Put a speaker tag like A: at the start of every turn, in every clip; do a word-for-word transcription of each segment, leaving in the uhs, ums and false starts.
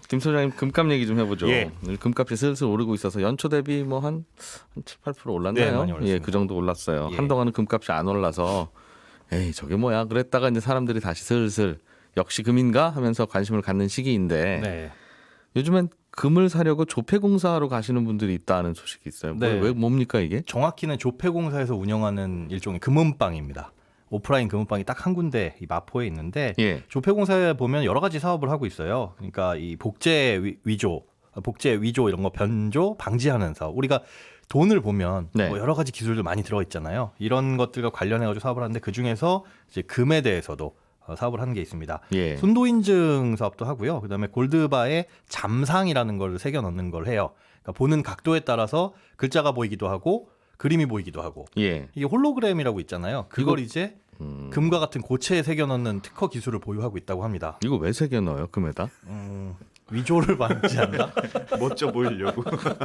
A: 김 소장님 금값 얘기 좀 해보죠.
B: 예.
A: 금값이 슬슬 오르고 있어서 연초 대비 뭐 한 한 칠, 팔 퍼센트 올랐나요?
B: 네, 많이 올랐습니다.
A: 예, 그 정도 올랐어요.
B: 예.
A: 한동안은 금값이 안 올라서 에이 저게 뭐야 그랬다가 이제 사람들이 다시 슬슬 역시 금인가 하면서 관심을 갖는 시기인데
B: 네.
A: 요즘엔 금을 사려고 조폐공사로 가시는 분들이 있다는 소식이 있어요. 뭐,
B: 네.
A: 왜 뭡니까 이게?
B: 정확히는 조폐공사에서 운영하는 일종의 금은방입니다. 오프라인 금은방이 딱 한 군데 이 마포에 있는데
A: 예.
B: 조폐공사에 보면 여러 가지 사업을 하고 있어요. 그러니까 이 복제 위- 위조, 복제 위조 이런 거 변조 방지하는 사업. 우리가 돈을 보면
A: 네.
B: 뭐 여러 가지 기술들 많이 들어 있잖아요. 이런 것들과 관련해 가지고 사업을 하는데 그 중에서 이제 금에 대해서도 어, 사업을 하는 게 있습니다.
A: 예.
B: 순도 인증 사업도 하고요. 그다음에 골드바에 잠상이라는 걸 새겨 넣는 걸 해요. 그러니까 보는 각도에 따라서 글자가 보이기도 하고 그림이 보이기도 하고
A: 예.
B: 이게 홀로그램이라고 있잖아요. 그걸
A: 이거-
B: 이제
A: 음,
B: 금과 같은 고체에 새겨 넣는 특허 기술을 보유하고 있다고 합니다.
A: 이거 왜 새겨 넣어요 금에다?
B: 음, 위조를 방지한다?
C: 멋져 보이려고.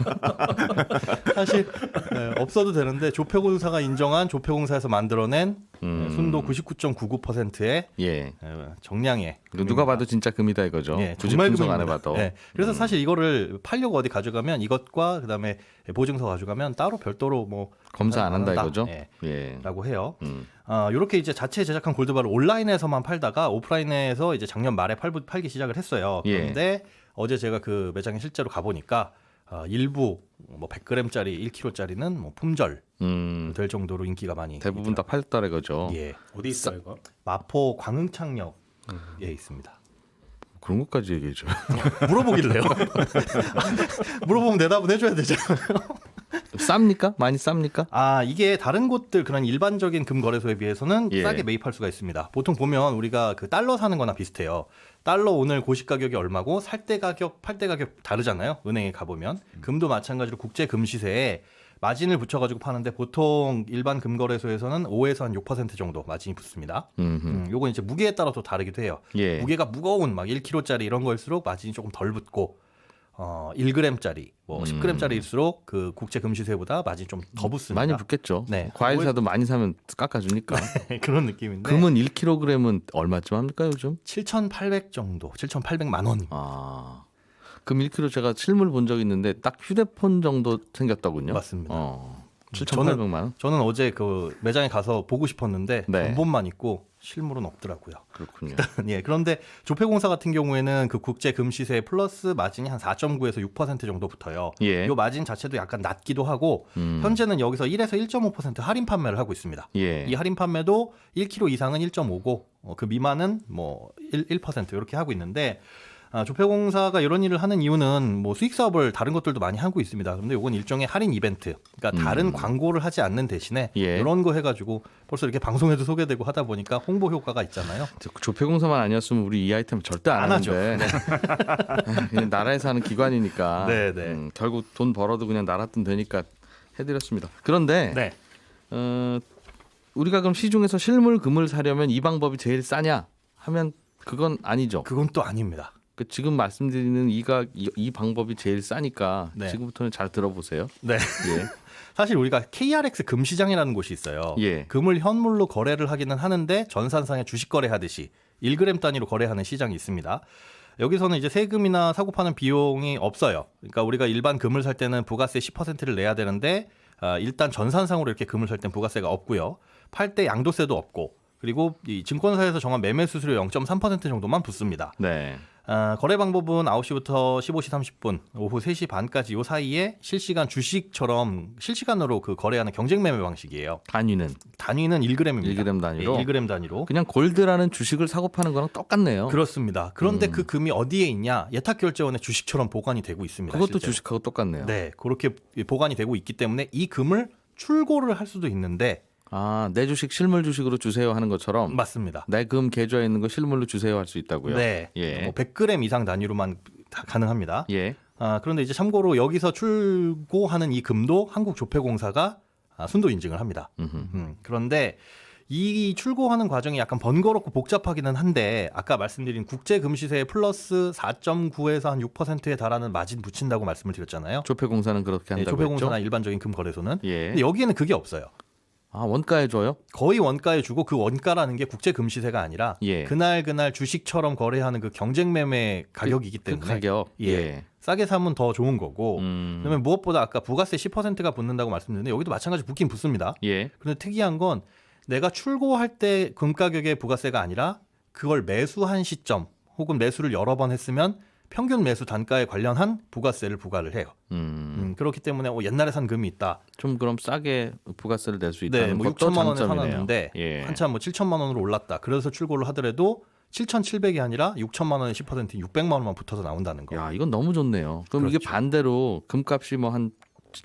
B: 사실 네, 없어도 되는데 조폐공사가 인정한 조폐공사에서 만들어낸
A: 음.
B: 네, 순도 구십구 점 구구 퍼센트의
A: 예.
B: 정량의
A: 이거 누가 봐도 진짜 금이다 이거죠.
B: 예,
A: 굳이
B: 정말
A: 분석 안
B: 금입니다.
A: 해봐도.
B: 예, 그래서 사실 이거를 팔려고 어디 가져가면 이것과 그다음에 보증서 가져가면 따로 별도로 뭐
A: 검사 안 한다 이거죠.
B: 예,
A: 예.
B: 라고 해요.
A: 음.
B: 아, 이렇게 이제 자체 제작한 골드바를 온라인에서만 팔다가 오프라인에서 이제 작년 말에 팔, 팔기 시작을 했어요.
A: 예.
B: 그런데 어제 제가 그 매장에 실제로 가보니까 아, 일부 뭐 백 그램짜리 일 킬로그램짜리는 뭐 품절
A: 음.
B: 될 정도로 인기가 많이
A: 대부분 다 팔렸다 이거죠.
B: 예,
C: 어디 있어 이거?
B: 마포 광흥창역에 있습니다.
A: 그런 것까지 얘기해줘.
B: 물어보길래요. 물어보면 대답은 해줘야 되잖아요.
A: 쌉니까? 많이 쌉니까?
B: 아, 이게 다른 곳들 그런 일반적인 금 거래소에 비해서는
A: 예.
B: 싸게 매입할 수가 있습니다. 보통 보면 우리가 그 달러 사는 거나 비슷해요. 달러 오늘 고시 가격이 얼마고 살 때 가격, 팔 때 가격 다르잖아요. 은행에 가보면. 금도 마찬가지로 국제 금 시세에 마진을 붙여가지고 파는데 보통 일반 금 거래소에서는 오에서 한 육 퍼센트 정도 마진이 붙습니다.
A: 음흠.
B: 음, 요건 이제 무게에 따라 또 다르기도 해요.
A: 예.
B: 무게가 무거운 막 일 킬로그램짜리 이런 거일수록 마진이 조금 덜 붙고 어, 일 그램짜리, 뭐 십 그램짜리일수록 그 국제 금시세보다 마진이 좀 더 붙습니다.
A: 많이 붙겠죠.
B: 네.
A: 과일 사도 많이 사면 깎아주니까.
B: 그런 느낌인데.
A: 금은 일 킬로그램은 얼마쯤 합니까 요즘?
B: 칠천팔백 정도, 칠천팔백만 원입니다.
A: 아, 금 일 킬로그램 제가 실물 본 적 있는데 딱 휴대폰 정도 생겼더군요.
B: 맞습니다.
A: 어, 칠천팔백만 원?
B: 저는 어제 그 매장에 가서 보고 싶었는데
A: 네.
B: 전본만 있고 실물은 없더라고요.
A: 그렇군요.
B: 예, 그런데 조폐공사 같은 경우에는 그 국제 금 시세 플러스 마진이 한 사 점 구에서 육 퍼센트 정도 붙어요.
A: 예.
B: 이 마진 자체도 약간 낮기도 하고
A: 음.
B: 현재는 여기서 일에서 일 점 오 퍼센트 할인 판매를 하고 있습니다.
A: 예.
B: 이 할인 판매도 일 킬로그램 이상은 일 점 오고 어, 그 미만은 뭐 일 퍼센트 이렇게 하고 있는데 아, 조폐공사가 이런 일을 하는 이유는 뭐 수익 사업을 다른 것들도 많이 하고 있습니다. 그런데 이건 일종의 할인 이벤트. 그러니까 다른
A: 음.
B: 광고를 하지 않는 대신에
A: 예.
B: 이런 거 해가지고 벌써 이렇게 방송에도 소개되고 하다 보니까 홍보 효과가 있잖아요.
A: 조폐공사만 아니었으면 우리 이 아이템 절대 안,
B: 안 하죠.
A: 하는데 그냥 나라에서 하는 기관이니까
B: 네, 네.
A: 음, 결국 돈 벌어도 그냥 나라 돈 되니까 해드렸습니다. 그런데
B: 네.
A: 어, 우리가 그럼 시중에서 실물 금을 사려면 이 방법이 제일 싸냐 하면 그건 아니죠.
B: 그건 또 아닙니다.
A: 그 지금 말씀드리는 이가 이, 이 방법이 제일 싸니까
B: 네.
A: 지금부터는 잘 들어보세요.
B: 네.
A: 예.
B: 사실 우리가 케이알엑스 금시장이라는 곳이 있어요.
A: 예.
B: 금을 현물로 거래를 하기는 하는데 전산상에 주식 거래하듯이 일 그램 단위로 거래하는 시장이 있습니다. 여기서는 이제 세금이나 사고 파는 비용이 없어요. 그러니까 우리가 일반 금을 살 때는 부가세 십 퍼센트를 내야 되는데 아, 일단 전산상으로 이렇게 금을 살 땐 부가세가 없고요. 팔 때 양도세도 없고 그리고 이 증권사에서 정한 매매 수수료 영 점 삼 퍼센트 정도만 붙습니다.
A: 네.
B: 아, 거래 방법은 아홉 시부터 십오 시 삼십 분, 오후 세 시 반까지 요 사이에 실시간 주식처럼 실시간으로 그 거래하는 경쟁 매매 방식이에요.
A: 단위는
B: 단위는 일 그램입니다.
A: 일 그램 단위로?
B: 예, 일 그램 단위로.
A: 그냥 골드라는 주식을 사고 파는 거랑 똑같네요.
B: 그렇습니다. 그런데
A: 음.
B: 그 금이 어디에 있냐? 예탁결제원의 주식처럼 보관이 되고 있습니다.
A: 그것도
B: 실제로.
A: 주식하고 똑같네요.
B: 네, 그렇게 보관이 되고 있기 때문에 이 금을 출고를 할 수도 있는데
A: 아, 내 주식 실물 주식으로 주세요 하는 것처럼
B: 맞습니다.
A: 내 금 계좌에 있는 거 실물로 주세요 할 수 있다고요.
B: 네,
A: 예.
B: 뭐 백 그램 이상 단위로만 다 가능합니다.
A: 예.
B: 아, 그런데 이제 참고로 여기서 출고하는 이 금도 한국조폐공사가 아, 순도 인증을 합니다.
A: 음흠.
B: 음, 그런데 이 출고하는 과정이 약간 번거롭고 복잡하기는 한데 아까 말씀드린 국제 금시세 플러스 사 점 구에서 한 육 퍼센트에 달하는 마진 붙인다고 말씀을 드렸잖아요.
A: 조폐공사는 그렇게
B: 네,
A: 한다고
B: 조폐공사나
A: 했죠.
B: 일반적인 금 거래소는.
A: 예.
B: 근데 여기에는 그게 없어요.
A: 아 원가에 줘요?
B: 거의 원가에 주고 그 원가라는 게 국제 금시세가 아니라
A: 예.
B: 그날 그날 주식처럼 거래하는 그 경쟁 매매 가격이기
A: 그
B: 때문에
A: 가격.
B: 예.
A: 예.
B: 싸게 사면 더 좋은 거고.
A: 음.
B: 그다음에 무엇보다 아까 부가세 십 퍼센트가 붙는다고 말씀드렸는데 여기도 마찬가지 붙긴 붙습니다.
A: 예.
B: 그런데 특이한 건 내가 출고할 때 금 가격의 부가세가 아니라 그걸 매수한 시점 혹은 매수를 여러 번 했으면 평균 매수 단가에 관련한 부가세를 부과를 해요.
A: 음.
B: 음, 그렇기 때문에 어, 옛날에 산 금이 있다.
A: 좀 그럼 싸게 부가세를 낼 수 있다는
B: 네, 뭐
A: 것도
B: 육천만 원에
A: 장점이네요.
B: 사놨는데
A: 예.
B: 한참 뭐 칠천만 원으로 올랐다. 그래서 출고를 하더라도 칠천칠백이 아니라 육천만 원에 십 퍼센트 육백만 원만 붙어서 나온다는 거.
A: 야, 이건 너무 좋네요. 그럼 이게
B: 그렇죠.
A: 반대로 금값이 뭐 한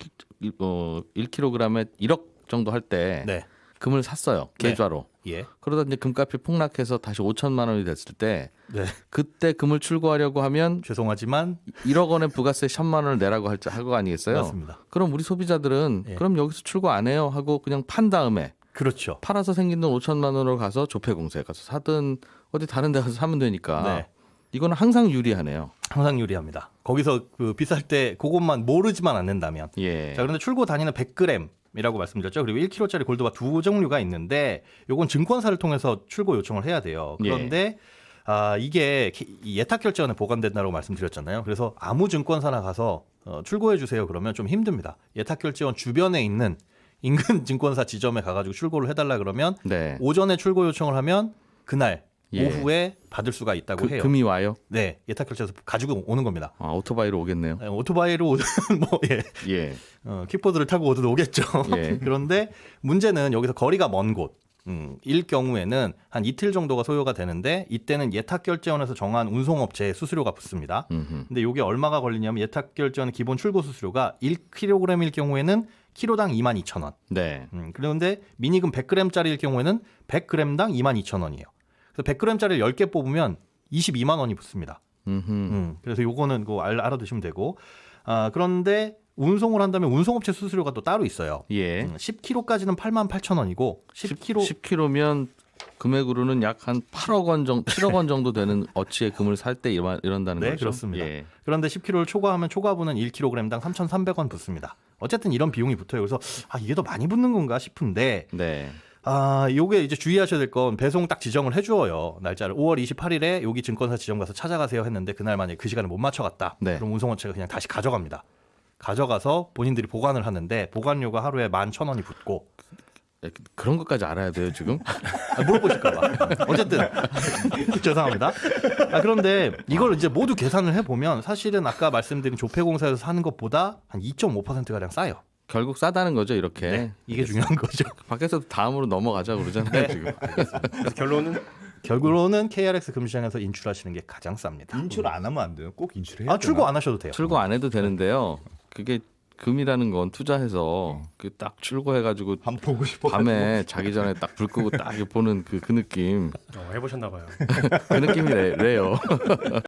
A: 어, 일 킬로그램에 일억 정도 할 때
B: 네.
A: 금을 샀어요.
B: 네.
A: 계좌로.
B: 예.
A: 그러다 이제 금값이 폭락해서 다시 오천만 원이 됐을 때
B: 네.
A: 그때 금을 출고하려고 하면
B: 죄송하지만
A: 일억 원의 부가세 천만 원을 내라고 할 거 아니겠어요?
B: 맞습니다.
A: 그럼 우리 소비자들은
B: 예.
A: 그럼 여기서 출고 안 해요 하고 그냥 판 다음에
B: 그렇죠.
A: 팔아서 생긴 돈 오천만 원으로 가서 조폐공사에 가서 사든 어디 다른 데 가서 사면 되니까
B: 네.
A: 이거는 항상 유리하네요.
B: 항상 유리합니다. 거기서 그 비쌀 때 그것만 모르지만 않는다면.
A: 예.
B: 자, 그런데 출고 단위는 백 그램이라고 말씀드렸죠. 그리고 일 킬로그램짜리 골드바 두 종류가 있는데 요건 증권사를 통해서 출고 요청을 해야 돼요. 그런데 아, 이게 이 예탁 결제원에 보관된다고 말씀드렸잖아요. 그래서 아무 증권사나 가서 어, 출고해 주세요 그러면 좀 힘듭니다. 예탁 결제원 주변에 있는 인근 증권사 지점에 가가지고 출고를 해달라 그러면
A: 네.
B: 오전에 출고 요청을 하면 그날
A: 예.
B: 오후에 받을 수가 있다고
A: 그,
B: 해요.
A: 금이 와요?
B: 네, 예탁 결제에서 가지고 오는 겁니다.
A: 아, 오토바이로 오겠네요.
B: 네, 오토바이로 오든 뭐 예,
A: 예.
B: 어, 킥보드를 타고 오든 오겠죠.
A: 예.
B: 그런데 문제는 여기서 거리가 먼 곳. 음, 일 경우에는 한 이틀 정도가 소요가 되는데 이때는 예탁결제원에서 정한 운송업체에 수수료가 붙습니다.
A: 음흠.
B: 근데 이게 얼마가 걸리냐면 예탁결제원 기본 출고 수수료가 일 킬로그램일 경우에는 키로당 이만 이천 원.
A: 네.
B: 음, 그런데 미니금 백 그램짜리일 경우에는 백 그램당 이만 이천 원이에요. 그래서 백 그램짜리를 십 개 뽑으면 이십이만 원이 붙습니다.
A: 음흠.
B: 음, 그래서 요거는 그거 알, 알아두시면 되고. 아, 그런데 운송을 한다면 운송업체 수수료가 또 따로 있어요.
A: 예.
B: 음, 십 킬로그램까지는 팔만 팔천 원이고 십 킬로그램
A: 십 킬로그램면 금액으로는 약 한 팔억 원 정도, 칠억 원 정도 되는 어치의 금을 살 때 이런, 이런다는
B: 네,
A: 거죠.
B: 그렇습니다.
A: 예.
B: 그런데 십 킬로그램를 초과하면 초과분은 일 킬로그램당 삼천삼백 원 붙습니다. 어쨌든 이런 비용이 붙어요. 그래서 아, 이게 더 많이 붙는 건가 싶은데
A: 네.
B: 아, 요게 이제 주의하셔야 될 건 배송 딱 지정을 해줘요. 날짜를 오월 이십팔일에 여기 증권사 지점 가서 찾아가세요 했는데 그날 만약에 그 시간에 못 맞춰갔다.
A: 네.
B: 그럼 운송업체가 그냥 다시 가져갑니다. 가져가서 본인들이 보관을 하는데 보관료가 하루에 만 천 원이 붙고
A: 그런 것까지 알아야 돼요, 지금?
B: 아, 물어보실까봐. 어쨌든 죄송합니다. 아, 그런데 이걸 이제 모두 계산을 해보면 사실은 아까 말씀드린 조폐공사에서 사는 것보다 한 이 점 오 퍼센트 가량 싸요.
A: 결국 싸다는 거죠, 이렇게.
B: 네, 이게 중요한 거죠.
A: 밖에서 다음으로 넘어가자 그러잖아요,
B: 네.
A: 지금.
C: 그래서 결론은
B: 결국으로는 케이알엑스 금시장에서 인출하시는 게 가장 쌉니다.
D: 인출 안 하면 안 돼요. 꼭 인출해야
B: 아, 출고 안 하셔도 돼요.
A: 출고 안 해도 되는데요. 그게 금이라는 건 투자해서 그 딱 출고해가지고
D: 한 보고 싶어.
A: 밤에 자기 전에 딱 불 끄고 딱 이렇게 보는 그, 그 느낌.
C: 어, 해보셨나 봐요.
A: 그 느낌이 래요.